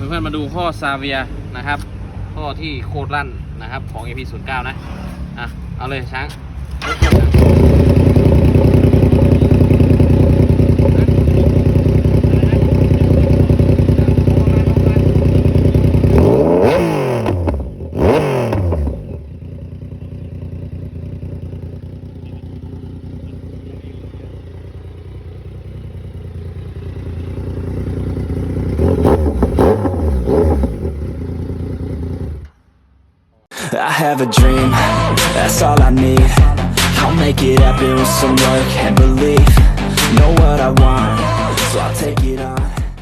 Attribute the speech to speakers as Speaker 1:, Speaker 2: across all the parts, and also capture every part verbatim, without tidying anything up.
Speaker 1: เพื่อนๆมาดูข้อซาเวียนะครับข้อที่โคตรลั่นนะครับของ เอ พี ศูนย์เก้า นะอ่ะเอาเลยช้าง
Speaker 2: I have a dream, that's all I need. I'll make it happen with some work and belief. Know what I want, so I'll take it on.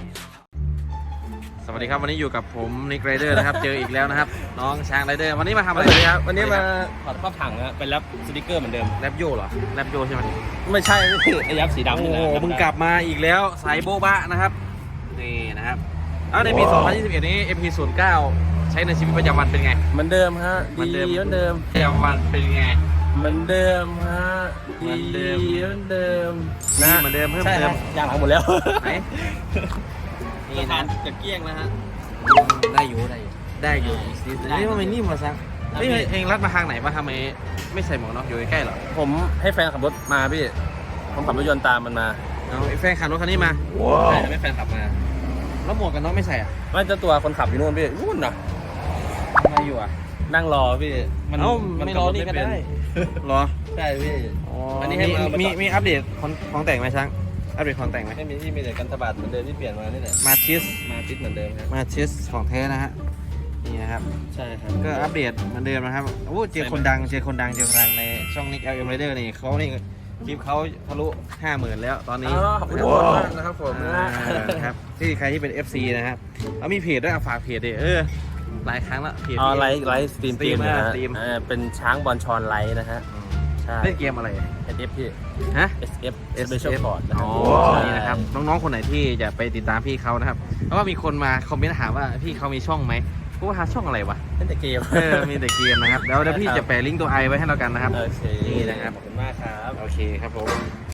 Speaker 1: สวัสดีครับวันนี้อยู่กับผมนิกไรเดอร์นะครับเจออีกแล้วนะครับน้องช้างไรเดอร์วันนี้มาทำอะไรครับ
Speaker 3: วันนี้มาถอดครอบถังนะเป็นแรปสติกเกอร์เหมือนเดิม
Speaker 1: แรปโยเหรอแรปโยใช่ไหม
Speaker 3: ไม่ใช่ไม่ใช่ไอ้ยับสีดำ
Speaker 1: โอ้
Speaker 3: นี่
Speaker 1: โห
Speaker 3: แหละ
Speaker 1: มึงกลับมาอีกแล้วสายโบ๊ะบะนะครับนี่นะครับเอาในปี สองพันยี่สิบเอ็ด นี้ เอ พี ศูนย์เก้า ใช้ในชีวิตประจำวันเป็นไง
Speaker 3: เหมือนเดิมฮะ
Speaker 1: เหมือน
Speaker 3: ดี
Speaker 1: เดิม
Speaker 3: เหมือนเดิม
Speaker 1: ประจำวันเป็นไง
Speaker 3: เหมือนเดิมฮะ
Speaker 1: เหมื
Speaker 3: ดี
Speaker 1: อนเดิม
Speaker 3: เหมือนเดิม
Speaker 1: ดีเหมือนเดิมเพิ่ม
Speaker 3: ใช่
Speaker 1: เติม
Speaker 3: ฮะยางหลังหมดแล้ว
Speaker 1: ไหนนี่
Speaker 3: นี่
Speaker 1: นะ
Speaker 3: นะจะเกลี้ยงนะฮะ
Speaker 1: ได้อยู่ได้อยู่ได้อยู่นี่มันไม่นิ่มมาซังนี่เองรัดมาทางไหนมาทำไมไม่ใส่หมวกน็อกอยู่ใกล้ๆหรอ
Speaker 3: ผมให้แฟนขับรถมาพี่ผมขับรถยนต์ตามมันมา
Speaker 1: เอาไอ้แฟนขับรถคันนี้มา
Speaker 3: ใช่ไม่แฟนขับมา
Speaker 1: แล้วหมวกกันน็อกไม่ใส่อ่ะ
Speaker 3: ไม่เจ้าตัวคนขับอยู่นู่นพี่นู่นน่ะ
Speaker 1: ทำไมอยู่อ่ะ
Speaker 3: นั่งรอพี่
Speaker 1: เอ้าไม่รอนี่ก็ได้เหรอ
Speaker 3: ใช่พี่
Speaker 1: อ๋อ
Speaker 3: อันนี้
Speaker 1: มี
Speaker 3: ให้มามี
Speaker 1: มีมีอัปเดตของของแต่งไหมช้างอัปเดตของแต่งไหม
Speaker 3: ไม่มีที่มีแต่กันตบาดเหมือนเดิมที่เปลี่ยนมานี่แหละ
Speaker 1: มาชิส
Speaker 3: มาติดเหมือนเดิมครับ
Speaker 1: มาชิสของแท้นะฮะนี่นะครับ
Speaker 3: ใช่ครับ
Speaker 1: ก็อัปเดตเหมือนเดิมนะครับโอ้เจอคนดังเจอคนดังเจอคนดังในช่องนิก แอล เอ็ม Rider นี่เขานี่คลิปเขาทะลุห้าหมื่นแล้วตอนนี้
Speaker 3: อ๋อขอบคุณทุกคนมากนะครับผม
Speaker 1: อ่าครับที่ใครที่เป็น เอฟ ซี นะครับแล้วมีเพจด้วยอ่ะฝากเพจดิเออหลายครั้งแล้วเพจ
Speaker 3: อ๋อ
Speaker 1: นี้
Speaker 3: ไลฟ์ไลฟ์สตรีม
Speaker 1: สตรีม
Speaker 3: เกนะฮะ
Speaker 1: สตรีม
Speaker 3: อ่าเป็นช้างบอลชอนไลฟ์นะฮะใช่
Speaker 1: เล่นเกมอะไร
Speaker 3: เอส เอฟ พี่
Speaker 1: ฮะ
Speaker 3: เอส เอฟ Special Port นะ
Speaker 1: อ๋
Speaker 3: ค
Speaker 1: อ
Speaker 3: รับ
Speaker 1: นี่นะครับน้องๆคนไหนที่จะไปติดตามพี่เขานะครับเพราะว่ามีคนมาคอมเมนต์ถามว่าพี่เขามีช่องไหมกูว่าหาช่องอะไรวะ
Speaker 3: เล่นแต่เกม
Speaker 1: เออมีแต่เกมนะครับเดี๋ยวเดี๋ยวพี่จะแปะลิงก์ตัวไอไว้ให้เรากันนะครับ
Speaker 3: โอเค
Speaker 1: นี่นะครับ
Speaker 3: ขอบคุณมากครับ
Speaker 1: โอเคครับผม